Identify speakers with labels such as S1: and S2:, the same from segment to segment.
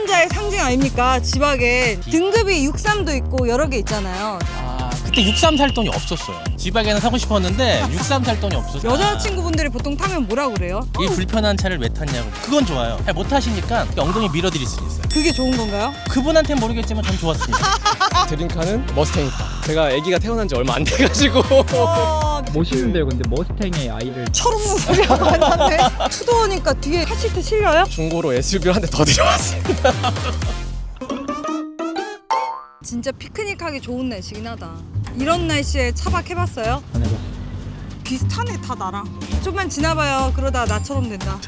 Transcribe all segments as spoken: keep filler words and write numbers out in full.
S1: 상남자의 상징 아닙니까? 지박엔 등급이 육십삼도 있고 여러 개 있잖아요.
S2: 아, 그때 육십삼 살 돈이 없었어요. 지박에는 사고 싶었는데 육십삼 살 돈이 없었어요.
S1: 여자친구분들이 보통 타면 뭐라 그래요?
S2: 이 불편한 차를 왜 탔냐고. 그건 좋아요. 잘 못 타시니까 엉덩이 밀어드릴 수 있어요.
S1: 그게 좋은 건가요?
S2: 그분한테는 모르겠지만 전 좋았습니다.
S3: 드림카는 머스탱이다. 제가 아기가 태어난 지 얼마 안 돼가지고
S1: 와,
S4: 멋있는데요. 근데 머스탱의 아이를
S1: 철없는 소리가 많이 나네. 투도어니까 뒤에 카시트 실려요?
S3: 중고로 에스유비를 한 대 더 들여왔습니다.
S1: 진짜 피크닉하기 좋은 날씨긴 하다. 이런 날씨에 차박 해봤어요?
S4: 안 해봤어요.
S1: 비슷하네 다 나랑. 좀만 지나봐요. 그러다 나처럼 된다.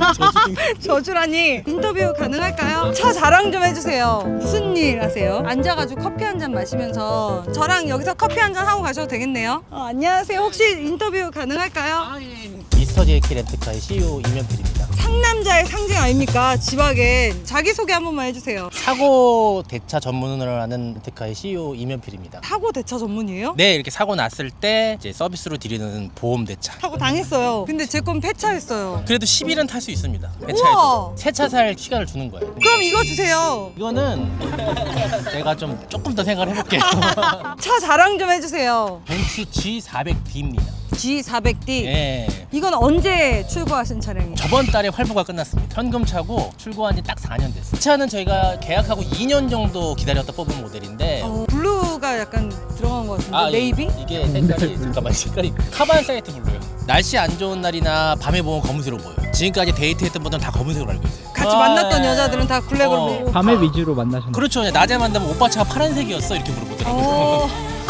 S1: 저주라니. 인터뷰 가능할까요? 차 자랑 좀 해주세요. 무슨 일 하세요? 앉아가지고 커피 한 잔 마시면서 저랑 여기서 커피 한 잔 하고 가셔도 되겠네요. 어, 안녕하세요. 혹시 인터뷰 가능할까요?
S2: 미스터 제이키 렌트카의 씨이오 이면필입니다.
S1: 상남자의 상징 아닙니까? 지박엔 자기소개 한 번만 해주세요.
S2: 사고 대차 전문으로 하는 렌트카의 씨이오 이면필입니다.
S1: 사고 대차 전문이에요?
S2: 네, 이렇게 사고 났을 때 이제 서비스로 드리는 보험 대차.
S1: 사고 당했어요. 근데 제 건 폐차했어요.
S2: 그래도 십 일은 탈 수 있습니다.
S1: 우와.
S2: 폐차해도 새 차 살 시간을 주는 거예요.
S1: 그럼 이거 주세요.
S2: 이거는 제가 좀 조금 더 생각을 해볼게요.
S1: 차 자랑 좀 해주세요.
S2: 벤츠 지 사백 디입니다.
S1: 지 사백 디.
S2: 예.
S1: 이건 언제 출고하신 차량이에요?
S2: 저번 달에 활보가 끝났습니다. 현금 차고 출고한 지 딱 사 년 됐어요. 이 차는 저희가 계약하고 이 년 정도 기다렸다 뽑은 모델인데
S1: 어, 블루가 약간 들어간 것 같은데.
S2: 아,
S1: 네이비?
S2: 이게 색깔이 잠깐만 색깔이 카반 사이트 블루예요. 날씨 안 좋은 날이나 밤에 보면 검은색으로 보여요. 지금까지 데이트했던 분들은 다 검은색으로 알고 있어요.
S1: 같이
S2: 아,
S1: 만났던
S2: 예.
S1: 여자들은 다 블랙으로
S2: 어.
S1: 보고.
S4: 밤에 위주로 만나셨나요?
S2: 그렇죠. 낮에 만나면 오빠 차가 파란색이었어 이렇게 물어보더라고요.
S1: 어.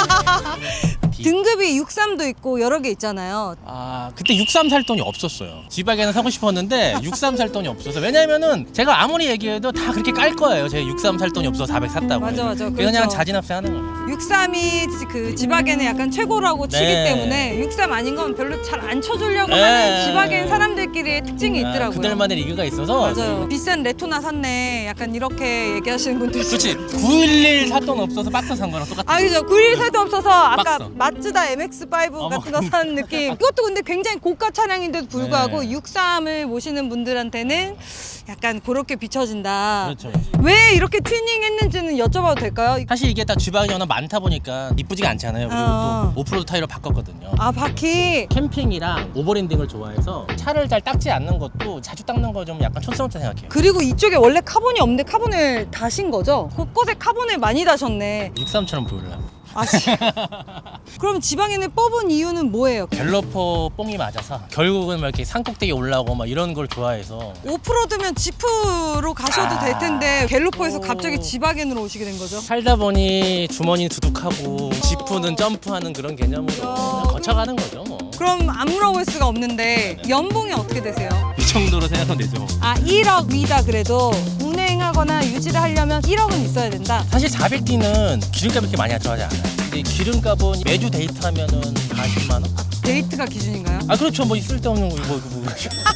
S2: 디.
S1: 등급이 육십삼도 있고 여러 개 있잖아요.
S2: 아, 그때 육십삼 살 돈이 없었어요. 지박에는 사고 싶었는데 육십삼 살 돈이 없어서. 왜냐면은 제가 아무리 얘기해도 다 그렇게 깔 거예요. 제가 육십삼 살 돈이 없어서 사백 샀다고.
S1: 맞아, 맞아.
S2: 그냥
S1: 그렇죠.
S2: 자진합세 하는 거예요.
S1: 육십삼이 그 지박에는 약간 최고라고 치기
S2: 네.
S1: 때문에 육십삼 아닌 건 별로 잘 안 쳐주려고
S2: 네.
S1: 하는 지박엔 사람들끼리의 특징이
S2: 아,
S1: 있더라고요.
S2: 그들만의 리그가 있어서.
S1: 맞아요. 비싼 레토나 샀네. 약간 이렇게 얘기하시는 분들 있어요.
S2: 그렇지. 구일일 살 돈 없어서 박스 산 거랑 똑같아.
S1: 아 그죠. 구일 살도 없어서 아까
S2: 박스.
S1: 마츠다 엠엑스 파이브
S2: 어머.
S1: 같은 거 산 느낌. 이것도 근데 굉장히 고가 차량인데도 불구하고
S2: 네.
S1: 육십삼을 모시는 분들한테는 약간 그렇게 비춰진다.
S2: 그렇죠.
S1: 왜 이렇게 튜닝 했는지는 여쭤봐도 될까요?
S2: 사실 이게 딱 지방이 워낙 많다 보니까 이쁘지가 않잖아요. 그리고
S1: 어.
S2: 또 오프로드 타이로 바꿨거든요.
S1: 아 바퀴.
S2: 캠핑이랑 오버랜딩을 좋아해서 차를 잘 닦지 않는 것도 자주 닦는 거 좀 약간 촌스럽다 생각해요.
S1: 그리고 이쪽에 원래 카본이 없는데 카본을 다신 거죠? 곳곳에 카본을 많이 다셨네.
S2: 육십삼처럼 보이려고.
S1: 아, 씨. 그럼 지방인을 뽑은 이유는 뭐예요?
S2: 갤러퍼 뽕이 맞아서 결국은 막 이렇게 산꼭대기 올라오고 막 이런 걸 좋아해서.
S1: 오프로드면 지프로 가셔도
S2: 아.
S1: 될 텐데 갤로퍼에서
S2: 오.
S1: 갑자기 지바겐으로 오시게 된 거죠?
S2: 살다 보니 주머니 두둑하고 지프는 점프하는 그런 개념으로 그냥 거쳐가는 거죠 뭐.
S1: 그럼 안 물어볼 수가 없는데 연봉이 어떻게 되세요?
S2: 이 정도로 생각하면 되죠.
S1: 아 일억 위다 그래도 운행하거나 유지를 하려면 일억은 있어야 된다.
S2: 사실 사백 디는 기름값이 그렇게 많이 들어가지 않아요. 근데 기름값은 매주 데이트하면은 사십만 원?
S1: 데이트가 기준인가요?
S2: 아 그렇죠. 뭐 쓸데없는 거 이거 뭐.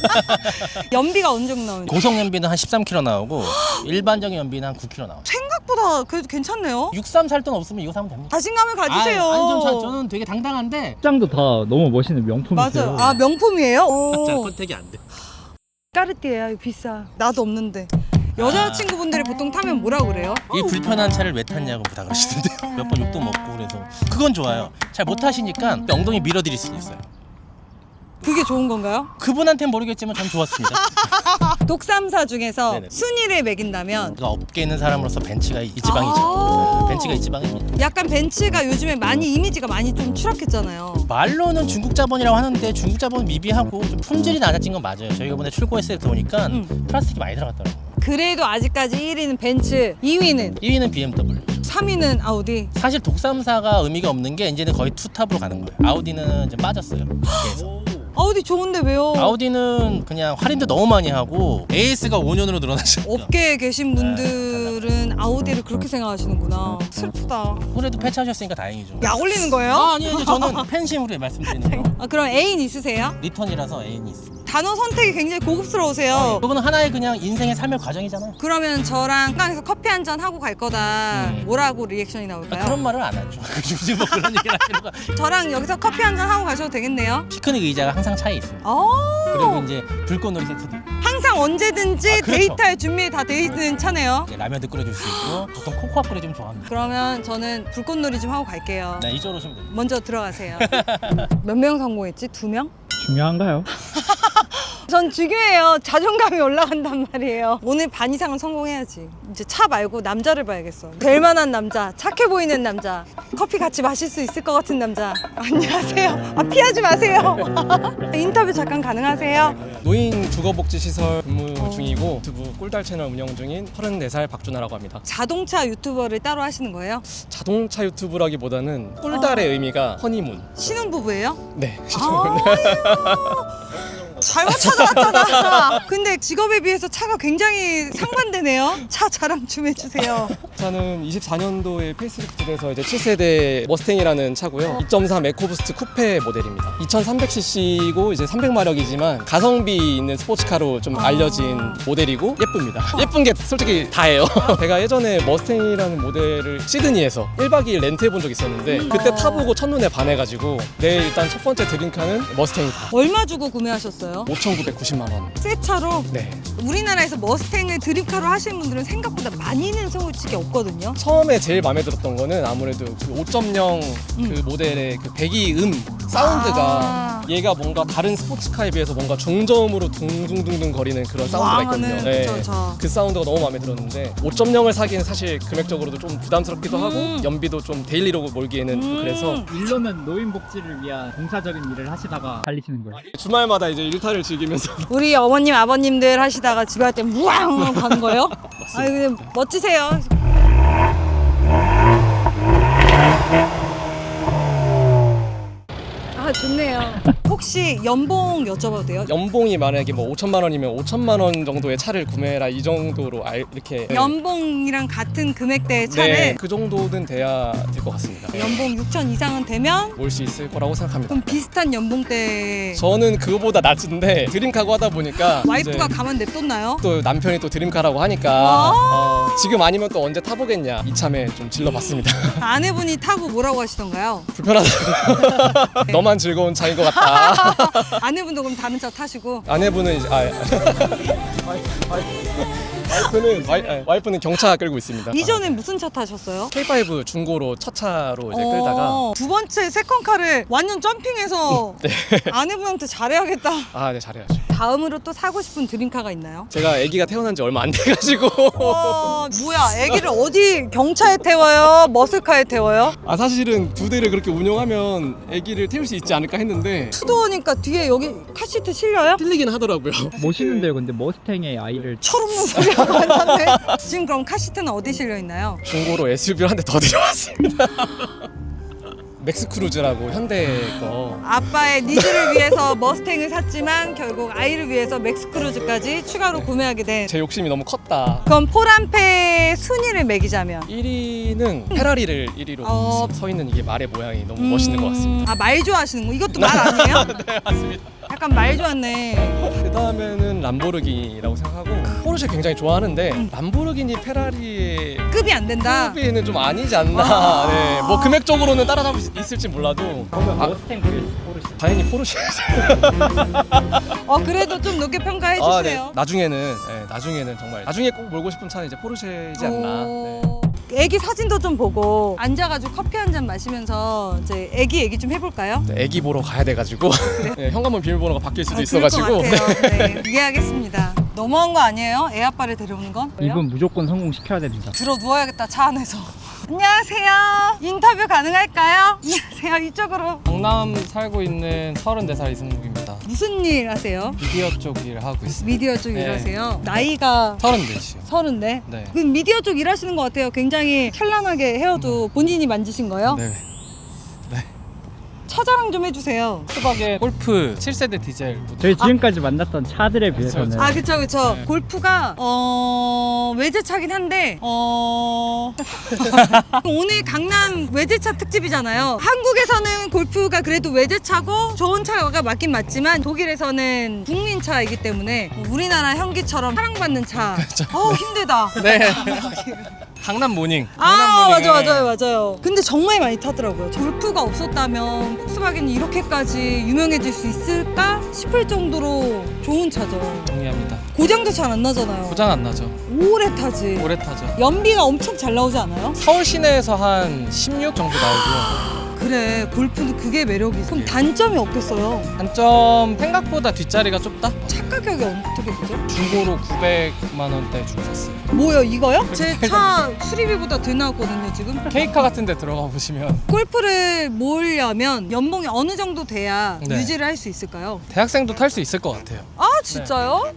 S1: 연비가 어느 정도 나오는지.
S2: 고속 연비는 한 십삼 킬로미터 나오고 일반적인 연비는 한 구 킬로미터 나와요.
S1: 생각보다 그래도 괜찮네요.
S2: 육십삼 살 돈 없으면 이거 사면 됩니다.
S1: 자신감을 가지세요.
S2: 아, 아니 좀 저, 저는 되게 당당한데
S4: 식장도 다 너무 멋있는 명품이세요.
S1: 맞아요. 아 명품이에요?
S2: 잘
S1: 오.
S2: 컨택이 안 돼.
S1: 까르띠에야 이거 비싸. 나도 없는데. 여자친구분들이 보통 타면 뭐라 그래요?
S2: 이 불편한 차를 왜 탔냐고 다 그러시던데요. 몇 번 욕도 먹고 그래서 그건 좋아요. 잘 못 타시니까 엉덩이 밀어드릴 수 있어요.
S1: 그게 좋은 건가요?
S2: 그분한테는 모르겠지만 전 좋았습니다.
S1: 독삼사 중에서
S2: 네네.
S1: 순위를 매긴다면
S2: 그 업계에 있는 사람으로서 벤츠가 이 지방이죠.
S1: 아.
S2: 벤츠가 이 지방입니다.
S1: 약간 벤츠가 요즘에 많이 이미지가 많이 좀 추락했잖아요.
S2: 말로는 중국 자본이라고 하는데 중국 자본은 미비하고 좀 품질이 낮아진 건 맞아요. 저희가 이번에 출고했을 때 보니까
S1: 음.
S2: 플라스틱이 많이 들어갔더라고요.
S1: 그래도 아직까지 일 위는 벤츠, 이 위는,
S2: 일 위는 비엠더블유.
S1: 삼 위는 아우디.
S2: 사실 독삼사가 의미가 없는 게 이제는 거의 투탑으로 가는 거예요. 아우디는 이제 빠졌어요. 업계에서.
S1: 아우디 좋은데 왜요?
S2: 아우디는 그냥 할인도 너무 많이 하고 에이에스가 오 년으로 늘어났죠.
S1: 업계에 계신 분들은 아우디를 그렇게 생각하시는구나. 슬프다.
S2: 그래도 폐차하셨으니까 다행이죠.
S1: 약 올리는 거예요?
S2: 아, 아니요. 저는 팬심으로 말씀드리는 거.
S1: 아, 그럼 애인 있으세요?
S2: 리턴이라서 애인이 있습니다.
S1: 단어 선택이 굉장히 고급스러우세요.
S2: 그거는 하나의 그냥 인생의 삶의 과정이잖아요.
S1: 그러면 저랑 한강에서 커피 한 잔 하고 갈 거다.
S2: 음.
S1: 뭐라고 리액션이
S2: 아,
S1: 나올까요?
S2: 그런 말을 안 하죠. 요즘 뭐 그런 얘기를 하시는 거.
S1: 저랑 여기서 커피 한 잔 하고 가셔도 되겠네요.
S2: 피크닉 의자가 항상 차에 있습니다.
S1: 아,
S2: 그리고 이제 불꽃놀이 세트도.
S1: 항상 언제든지
S2: 아, 그렇죠.
S1: 데이트할 준비 다 돼 있는 차네요.
S2: 네, 라면도 끓여줄 수 있고 보통 코코아 끓여주면 좋아합니다.
S1: 그러면 저는 불꽃놀이 좀 하고 갈게요.
S2: 네, 이쪽으로 오시면 됩니다.
S1: 먼저 들어가세요. 몇 명 성공했지? 두 명?
S4: 중요한가요?
S1: 전 중요해요. 자존감이 올라간단 말이에요. 오늘 반 이상은 성공해야지. 이제 차 말고 남자를 봐야겠어. 될 만한 남자, 착해 보이는 남자, 커피 같이 마실 수 있을 것 같은 남자. 안녕하세요. 아, 피하지 마세요. 인터뷰 잠깐 가능하세요?
S3: 노인 주거복지시설 근무
S1: 어.
S3: 중이고 유튜브 꿀달 채널 운영 중인 서른네 살 박준하라고 합니다.
S1: 자동차 유튜버를 따로 하시는 거예요?
S3: 자동차 유튜브라기보다는 꿀달의
S1: 어.
S3: 의미가 허니문.
S1: 신혼부부예요?
S3: 네.
S1: 아, 잘못 찾아왔잖아. 근데 직업에 비해서 차가 굉장히 상반되네요. 차 자랑 좀 해주세요.
S3: 차는 이십사 년도에 페이스리프트돼서 이제 칠 세대 머스탱이라는 차고요. 이 점 삼 에코부스트 쿠페 모델입니다. 이천삼백 씨씨이고 이제 삼백 마력이지만 가성비 있는 스포츠카로 좀
S1: 아.
S3: 알려진 모델이고 예쁩니다. 예쁜 게 솔직히 다예요. 제가 예전에 머스탱이라는 모델을 시드니에서 일 박 이 일 렌트해 본 적이 있었는데 그때
S1: 어.
S3: 타보고 첫눈에 반해가지고 내 일단 첫 번째 드림카는 머스탱이다.
S1: 얼마 주고 구매하셨어요?
S3: 오천구백구십만 원.
S1: 새 차로?
S3: 네.
S1: 우리나라에서 머스탱을 드림카로 하시는 분들은 생각보다 많이는 솔직히 없거든요.
S3: 처음에 제일 마음에 들었던 거는 아무래도 그 오 점 영 그
S1: 음.
S3: 모델의 그 배기음 사운드가
S1: 아.
S3: 얘가 뭔가 다른 스포츠카에 비해서 뭔가 중저음으로 둥둥둥둥 거리는 그런 사운드가 있거든요.
S1: 왕하는,
S3: 네.
S1: 그쵸, 그쵸.
S3: 그 사운드가 너무 마음에 들었는데 오 점 영을 사기엔 사실 금액적으로도 좀 부담스럽기도
S1: 음.
S3: 하고 연비도 좀 데일리로 몰기에는 좀
S1: 음.
S3: 그래서
S4: 일로는 노인복지를 위한 봉사적인 일을 하시다가 달리시는 거예요.
S3: 주말마다 이제 일탈을 즐기면서
S1: 우리 어머님 아버님들 하시다가 집에 갈 때 무앙 가는 거예요? 아 근데 멋지세요. 아 좋네요. 혹시 연봉 여쭤봐도 돼요?
S3: 연봉이 만약에 뭐 오천만 원이면 오천만 원 정도의 차를 구매해라 이 정도로 알, 이렇게
S1: 연봉이랑 같은 금액대의 차를
S3: 네, 그 정도는 돼야 될 것 같습니다.
S1: 연봉 육천 이상은 되면
S3: 올 수 있을 거라고 생각합니다.
S1: 그럼 비슷한 연봉대
S3: 저는 그거보다 낮은데 드림카고 하다 보니까
S1: 와이프가
S3: 이제
S1: 가만 냅뒀나요?
S3: 또 남편이 또 드림카라고 하니까
S1: 아.
S3: 어, 지금 아니면 또 언제 타보겠냐 이참에 좀 질러봤습니다.
S1: 아내분이 타고 뭐라고 하시던가요?
S3: 불편하다. 너만 즐거운 차인 것 같다.
S1: 아내분도 그럼 다른 차 타시고
S3: 아내분은 이제 아, 와이- 와이- 와이프는 와이, 아, 와이프는 경차 끌고 있습니다.
S1: 이전에 무슨 차 타셨어요?
S3: 케이 파이브 중고로 첫 차로 이제 끌다가
S1: 어, 두 번째 세컨카를 완전 점핑해서
S3: 네.
S1: 아내분한테 잘해야겠다.
S3: 아, 네 잘해야죠.
S1: 다음으로 또 사고 싶은 드림카가 있나요?
S3: 제가 아기가 태어난 지 얼마 안 돼가지고
S1: 와 뭐야 애기를 어디 경차에 태워요? 머슬카에 태워요?
S3: 아 사실은 두 대를 그렇게 운영하면 아기를 태울 수 있지 않을까 했는데
S1: 투도어니까 뒤에 여기 카시트 실려요?
S3: 틀리긴 하더라고요.
S4: 멋있는데요. 근데 머스탱의 아이를
S1: 철없는 소리가 많았네. 지금 그럼 카시트는 어디 실려 있나요?
S3: 중고로 에스유브를 한 대 더 들여왔습니다. 맥스크루즈라고 현대 거.
S1: 아빠의 니즈를 위해서 머스탱을 샀지만 결국 아이를 위해서 맥스크루즈까지 추가로 구매하게 된.
S3: 제 욕심이 너무 컸다.
S1: 그럼 포란페 순위를 매기자면
S3: 일 위는 페라리를 일 위로
S1: 어.
S3: 서 있는 이게 말의 모양이 너무 멋있는 것 같습니다.
S1: 아 말 좋아하시는 거? 이것도 말 아니에요?
S3: 네 맞습니다.
S1: 약간 말 좋았네.
S3: 그 다음에는 람보르기니라고 생각하고 포르쉐 굉장히 좋아하는데 람보르기니 페라리의
S1: 급이 안 된다.
S3: 급비는 좀 아니지 않나.
S1: 아.
S3: 네, 뭐 금액적으로는 따라잡을 수 있을지 몰라도
S4: 그러면
S3: 아,
S4: 머스탱 vs 포르쉐.
S3: 당연히 포르쉐.
S1: 어 그래도 좀 높게 평가해 주세요.
S3: 아, 네. 나중에는 네, 나중에는 정말 나중에 꼭 몰고 싶은 차는 이제 포르쉐이지 않나. 네.
S1: 오. 애기 사진도 좀 보고 앉아가지고 커피 한 잔 마시면서 이제 애기 얘기 좀 해볼까요?
S3: 네, 애기 보러 가야 돼가지고 네, 현관문 비밀번호가 바뀔 수도
S1: 아, 그럴 것
S3: 있어가지고
S1: 같아요. 네. 이해하겠습니다. 너무한 거 아니에요? 애 아빠를 데려오는 건?
S4: 이분 무조건 성공시켜야 됩니다.
S1: 들어 누워야겠다 차 안에서. 안녕하세요. 인터뷰 가능할까요? 안녕하세요. 이쪽으로.
S5: 경남 살고 있는 서른네 살 이승국입니다.
S1: 무슨 일 하세요?
S5: 미디어 쪽 일을 하고 있습니다.
S1: 미디어 쪽
S5: 네.
S1: 일하세요? 나이가
S5: 서른넷이요.
S1: 서른네?
S5: 네.
S1: 그 미디어 쪽 일하시는 것 같아요. 굉장히 찬란하게 헤어도 본인이 만지신 거예요?
S5: 네.
S1: 차 자랑 좀 해주세요.
S5: 수박의 골프 칠 세대 디젤 모델.
S4: 저희 지금까지 만났던 차들에 비해서는
S1: 아 그쵸 그쵸.
S5: 네.
S1: 골프가 어 외제차긴 한데 어 오늘 강남 외제차 특집이잖아요. 한국에서는 골프가 그래도 외제차고 좋은 차가 맞긴 맞지만 독일에서는 국민차이기 때문에 우리나라 현기처럼 사랑받는 차. 어우 힘들다.
S5: 네. 강남 모닝.
S1: 아
S5: 강남
S1: 맞아
S5: 모닝을
S1: 맞아요 맞아요. 근데 정말 많이 타더라고요. 골프가 없었다면 폭스바겐이 이렇게까지 유명해질 수 있을까 싶을 정도로 좋은 차죠.
S5: 동의합니다.
S1: 고장도 잘 안 나잖아요.
S5: 고장 안 나죠.
S1: 오래 타지.
S5: 오래 타죠.
S1: 연비가 엄청 잘 나오지 않아요?
S5: 서울 시내에서 한 십육 정도 나오고요.
S1: 그래, 골프는 그게 매력이지. 그럼 단점이 없겠어요.
S5: 단점 생각보다 뒷자리가 좁다.
S1: 차 가격이 어떻게 되죠?
S5: 중고로 구백만 원대 주고 샀어요.
S1: 뭐요, 이거요? 제 차 수리비보다 더 나왔거든요, 지금.
S5: 케이카 같은 데 들어가 보시면
S1: 골프를 모으려면 연봉이 어느 정도 돼야
S5: 네.
S1: 유지를 할 수 있을까요?
S5: 대학생도 탈 수 있을 것 같아요.
S1: 아, 진짜요?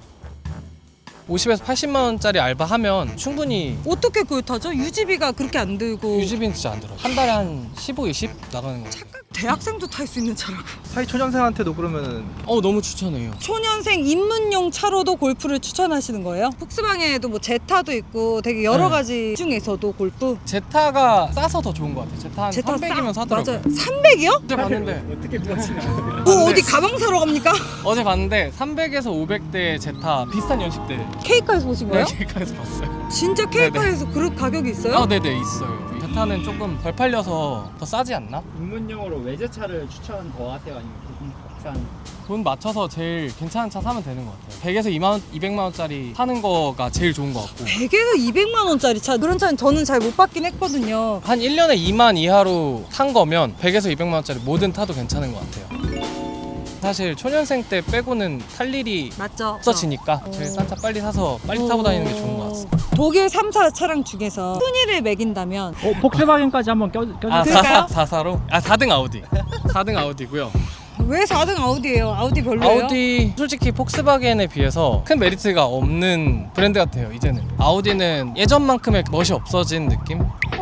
S5: 오십에서 팔십만 원짜리 알바하면 충분히
S1: 어떻게 그걸 타죠? 유지비가 그렇게 안 들고.
S5: 유지비는 진짜 안 들어요. 한 달에 한 십오, 이십 나가는 거.
S1: 착각, 대학생도 탈 수 있는 차라고.
S6: 사회초년생한테도 그러면은
S5: 어 너무 추천해요.
S1: 초년생 입문용 차로도 골프를 추천하시는 거예요? 폭스바겐에도 뭐 제타도 있고 되게 여러
S5: 네.
S1: 가지 중에서도 골프.
S5: 제타가 싸서 더 좋은 것 같아요. 제타 한
S1: 제타
S5: 삼백이면
S1: 싸-
S5: 사더라고요.
S1: 맞아요. 삼백이요?
S5: 어제 봤는데
S6: 어떻게 비하시나?
S1: 뭐 어디 가방 사러 갑니까?
S5: 어제 봤는데 삼백에서 오백대 제타 비슷한 연식대.
S1: 케이카에서 보신 거예요?
S5: 네, 케이카에서 봤어요.
S1: 진짜 케이카에서 그런 가격이 있어요?
S5: 아, 네네 있어요. 제타는 조금 덜 팔려서 더 싸지 않나?
S4: 입문용으로 외제차를 추천 더 하세요? 아니면 국산?
S5: 돈 맞춰서 제일 괜찮은 차 사면 되는 것 같아요. 백에서 이만 원, 이백만 원짜리 사는 거가 제일 좋은 것 같고.
S1: 백에서 이백만 원짜리 차 그런 차는 저는 잘 못 받긴 했거든요.
S5: 한 일 년에 이만 이하로 탄 거면 백에서 이백만 원짜리 뭐든 타도 괜찮은 것 같아요. 사실 초년생 때 빼고는 탈 일이
S1: 맞죠?
S5: 없어지니까 제일 싼 차 빨리 사서 빨리 타고 다니는 게 좋은 것 같습니다.
S1: 독일 삼 사 차량 중에서 순위를 매긴다면
S4: 어, 폭스바겐까지 한번 껴, 껴주세요.
S5: 아,
S1: 그럴까요?
S5: 사사, 사사로? 아, 사 등 아우디. 사 등 아우디고요.
S1: 왜 사 등 아우디예요? 아우디 별로예요?
S5: 아우디 솔직히 폭스바겐에 비해서 큰 메리트가 없는 브랜드 같아요. 이제는 아우디는 예전만큼의 멋이 없어진 느낌?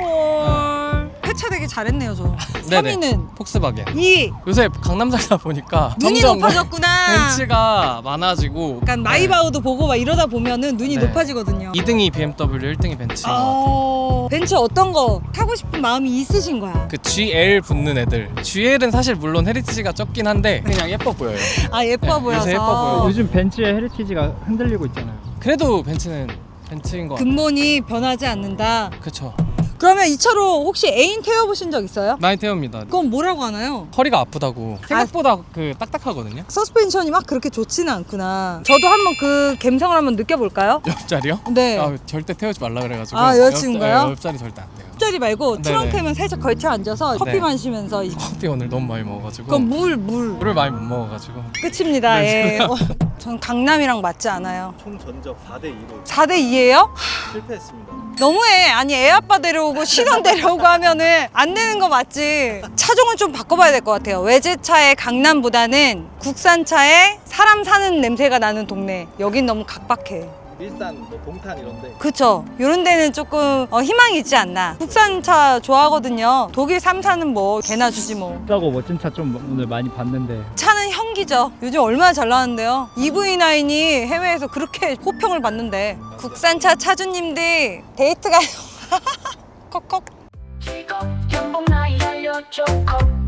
S1: 헐. 회차 되게 잘했네요, 저. 삼
S5: 네네.
S1: 위는
S5: 폭스바겐.
S1: 이
S5: 요새 강남 살다 보니까
S1: 눈이
S5: 점점
S1: 높아졌구나.
S5: 벤츠가 많아지고
S1: 약간 마이바우도 보고 막 이러다 보면은 눈이
S5: 네.
S1: 높아지거든요.
S5: 이 등이 비엠더블유, 일 등이 벤츠인 것 같아요.
S1: 어... 벤츠 어떤 거 타고 싶은 마음이 있으신 거야?
S5: 그 지엘 붙는 애들. 지엘은 사실 물론 헤리티지가 적긴 한데 그냥 예뻐 보여요.
S1: 아, 예뻐
S5: 네,
S1: 보여서.
S5: 요새 예뻐 보여요.
S4: 요즘 벤츠의 헤리티지가 흔들리고 있잖아요.
S5: 그래도 벤츠는 벤츠인 것 같아요.
S1: 근본이 변하지 않는다.
S5: 그쵸.
S1: 그러면 이 차로 혹시 애인 태워보신 적 있어요?
S5: 많이 태웁니다.
S1: 그건 뭐라고 하나요?
S5: 허리가 아프다고. 생각보다 그 딱딱하거든요.
S1: 서스펜션이 막 그렇게 좋지는 않구나. 저도 한번 그 감성을 한번 느껴볼까요?
S5: 옆자리요?
S1: 네.
S5: 아, 절대 태우지 말라 그래가지고.
S1: 아, 여자친구가요?
S5: 옆, 네, 옆자리 절대 안 돼요.
S1: 옆자리 말고
S5: 네네.
S1: 트렁크에만 살짝 걸쳐 앉아서 커피
S5: 네.
S1: 마시면서 이-
S5: 커피 오늘 너무 많이 먹어가지고.
S1: 그건 물, 물.
S5: 물을 많이 못 먹어가지고.
S1: 끝입니다.
S5: 네.
S1: 예. 어, 전 강남이랑 맞지 않아요.
S6: 총 전적 사 대 이로
S1: 사 대 이예요?
S6: 실패했습니다.
S1: 너무해. 아니, 애 아빠 데려오고 신혼 데려오고 하면은 안 되는 거 맞지? 차종을 좀 바꿔봐야 될 것 같아요. 외제차의 강남보다는 국산차에 사람 사는 냄새가 나는 동네. 여긴 너무 각박해.
S6: 일산, 뭐 동탄 이런데
S1: 그쵸. 이런 데는 조금 어, 희망이 있지 않나. 국산차 좋아하거든요. 독일 삼 사는 뭐 개나 주지 뭐.
S4: 싸고 멋진 차 좀 오늘 많이 봤는데
S1: 차는 형기죠. 요즘 얼마나 잘 나왔는데요. 이브이 나인이 해외에서 그렇게 호평을 받는데. 국산차 차주님들 데이트 가요. 컥컥.
S7: 직업 연봉 나이 알려줘 컵